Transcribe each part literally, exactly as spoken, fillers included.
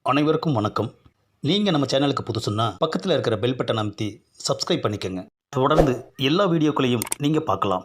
அனைவருக்கும் வணக்கம். நீங்கள் நம்ம சேனலுக்கு புதுசுன்னா பக்கத்தில் இருக்கிற பெல் பட்டன் அமைத்தி சப்ஸ்கிரைப் பண்ணிக்கோங்க. தொடர்ந்து எல்லா வீடியோக்களையும் நீங்கள் பார்க்கலாம்.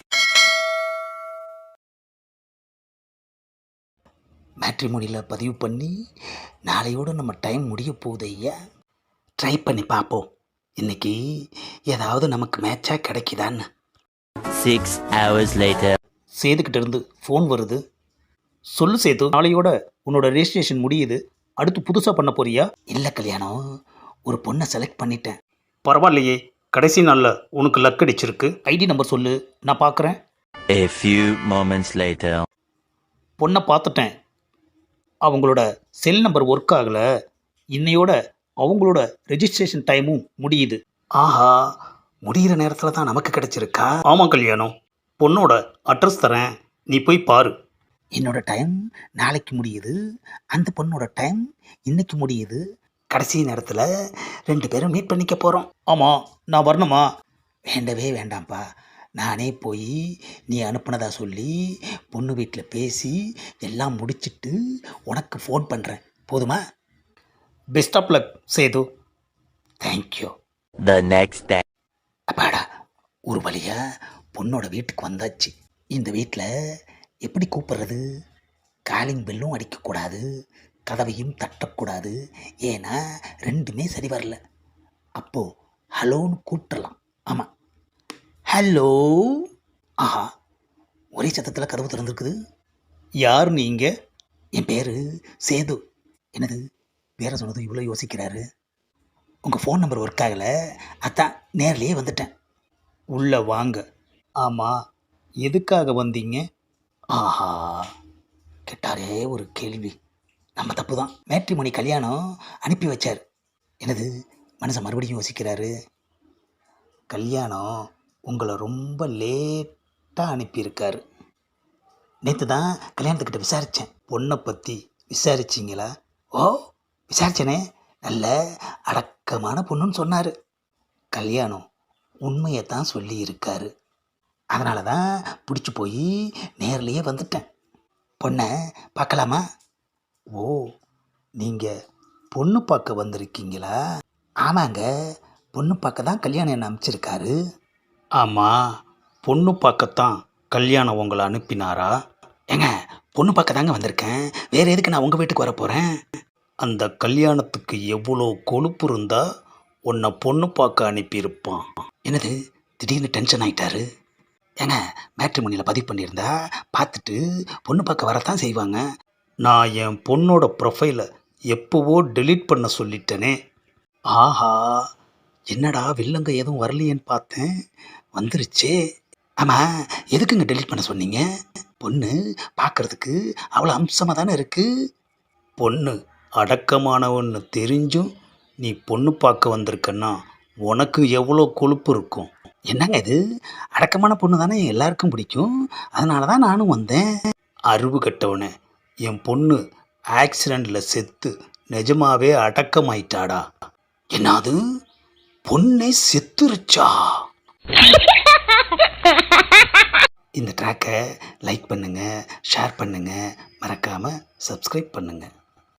மேட்ரிமோனியில் பதிவு பண்ணி நாளையோடு நம்ம டைம் முடிய போகுது ஐயா. ட்ரை பண்ணி பார்ப்போம். இன்னைக்கு ஏதாவது நமக்கு மேட்சாக கிடைக்குதான்னு. Six hours later. சேதுக்கிட்ட இருந்து ஃபோன் வருது. சொல்லு சேது, நாளையோட உன்னோட ரெஜிஸ்ட்ரேஷன் முடியுது. அடுத்து புதுசாக பண்ண போறியா? இல்லை கல்யாணம், ஒரு பொண்ணை செலக்ட் பண்ணிட்டேன். பரவாயில்லையே, கடைசி நாளில் உனக்கு லக் அடிச்சிருக்கு. ஐடி நம்பர் சொல்லு, நான் பார்க்குறேன். A few moments later. பொண்ணை பார்த்துட்டேன். அவங்களோட செல் நம்பர் ஒர்க் ஆகலை. இன்னையோட அவங்களோட ரெஜிஸ்ட்ரேஷன் டைமும் முடியுது. ஆஹா, முடிகிற நேரத்தில் தான் நமக்கு கிடைச்சிருக்கா? ஆமாம் கல்யாணம், பொண்ணோட அட்ரஸ் தரேன், நீ போய் பாரு. என்னோட டைம் நாளைக்கு முடியுது, அந்த பொண்ணோட டைம் இன்னைக்கு முடியுது. கடைசி நேரத்தில் ரெண்டு பேரும் மீட் பண்ணிக்க போகிறோம். ஆமாம், நான் வரணுமா? வேண்டவே வேண்டாம்ப்பா, நானே போய் நீ அனுப்புனதா சொல்லி பொண்ணு வீட்டில் பேசி எல்லாம் முடிச்சிட்டு உனக்கு ஃபோன் பண்ணுறேன். போதுமா? Best of luck Sethu. Thank you. The next day. அப்பாடா, ஒரு வழியா பொண்ணோட வீட்டுக்கு வந்தாச்சு. இந்த வீட்டில் எப்படி கூப்பிட்றது? காலிங் பெல்லும் அடிக்கக்கூடாது, கதவையும் தட்டக்கூடாது. ஏன்னா ரெண்டுமே சரி வரல. அப்போது ஹலோன்னு கூப்பிட்றலாம். ஆமாம், ஹலோ. ஆஹா, ஒரே சத்தத்தில் கதவு திறந்துருக்குது. யார் நீங்கள்? என் பேர் சேது. என்னது, பேரை சொன்னதும் இவ்வளோ யோசிக்கிறாரு. உங்கள் ஃபோன் நம்பர் ஒர்க் ஆகலை, அதான் நேர்லேயே வந்துட்டேன். உள்ளே வாங்க. ஆமாம், எதுக்காக வந்தீங்க? ஆஹா, கேட்டாரே ஒரு கேள்வி. நம்ம தப்பு தான். மேட்ரிமோனி கல்யாணம் அனுப்பி வச்சார். என்னது, மனுஷன் மறுபடியும் யோசிக்கிறாரு. கல்யாணம் உங்களை ரொம்ப லேட்டாக அனுப்பியிருக்காரு. நேற்று தான் கல்யாணத்துக்கிட்ட விசாரித்தேன். பொண்ணை பற்றி விசாரிச்சிங்களா? ஓ, விசாரிச்சேனே. நல்ல அடக்கமான பொண்ணுன்னு சொன்னார். கல்யாணம் உண்மையை தான் சொல்லியிருக்காரு. அதனால தான் பிடிச்சி போய் நேர்லேயே வந்துட்டேன். பொண்ணை பார்க்கலாமா? ஓ, நீங்கள் பொண்ணு பார்க்க வந்திருக்கீங்களா? ஆமாங்க, பொண்ணு பார்க்க தான் கல்யாணம் என்ன அனுப்பிச்சிருக்காரு. ஆமாம், பொண்ணு பார்க்கத்தான் கல்யாணம் உங்களை அனுப்பினாரா? ஏங்க, பொண்ணு பார்க்க தாங்க வந்திருக்கேன், வேறு எதுக்கு நான் உங்கள் வீட்டுக்கு வர போகிறேன்? அந்த கல்யாணத்துக்கு எவ்வளோ கொழுப்பு இருந்தால் உன்னை பொண்ணு பார்க்க அனுப்பியிருப்பான். என்னது, திடீர்னு டென்ஷன் ஆகிட்டாரு. ஏங்க, மேட்ரிமோனியில் பதிவு பண்ணியிருந்தா பார்த்துட்டு பொண்ணு பார்க்க வரத்தான் செய்வாங்க. நான் என் பொண்ணோட ப்ரொஃபைலை எப்போவோ டெலீட் பண்ண சொல்லிட்டேனே. ஆஹா, என்னடா வில்லங்க எதுவும் வரலையேன்னு பார்த்தேன், வந்துருச்சே. ஆமாம், எதுக்குங்க டெலீட் பண்ண சொன்னீங்க? பொண்ணு பார்க்குறதுக்கு அவ்வளோ அம்சமாக தானே இருக்குது. பொண்ணு அடக்கமானவன்னு தெரிஞ்சும் நீ பொண்ணு பார்க்க வந்திருக்கன்னா உனக்கு எவ்வளோ கொழுப்பு இருக்கும். என்னங்க இது, அடக்கமான பொண்ணு தானே எல்லாருக்கும் பிடிக்கும், அதனால தான் நானும் வந்தேன். அறிவு கட்டவனே, என் பொண்ணு ஆக்சிடெண்ட்டில் செத்து நிஜமாவே அடக்கமாயிட்டாடா. என்னது, பொண்ணே செத்துருச்சா? இந்த ட்ராக்கை லைக் பண்ணுங்கள், ஷேர் பண்ணுங்கள், மறக்காமல் சப்ஸ்கிரைப் பண்ணுங்கள்.